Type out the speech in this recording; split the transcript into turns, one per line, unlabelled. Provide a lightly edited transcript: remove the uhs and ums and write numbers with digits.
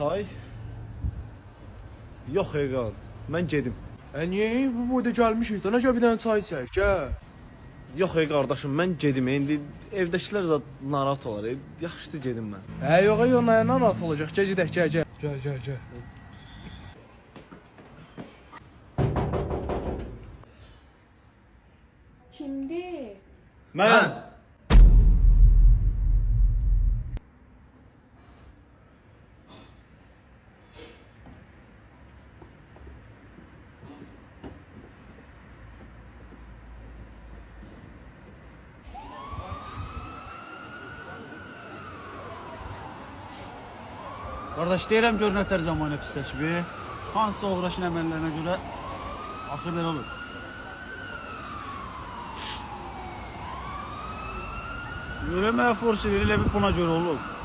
Ay. Yox Eqal, mən gedim.
Niyə bu boyda gəlmişik də, necə bir dənə çay içək, gəl.
Yox qardaşım, mən gedim. İndi evdəkilər zət narahat olar. Yaxşıdır gedim mən.
Yox, narahat olacaq. Gəl gedək, gəl. Gəl.
Kimdir?
Mən.
Qardaş, deyirəm gör nətər zamanə pisləşib. Hansısa uğraşın əməllərinə görə axır belə olur. Görəməyə forsi verilə bir buna görə olur.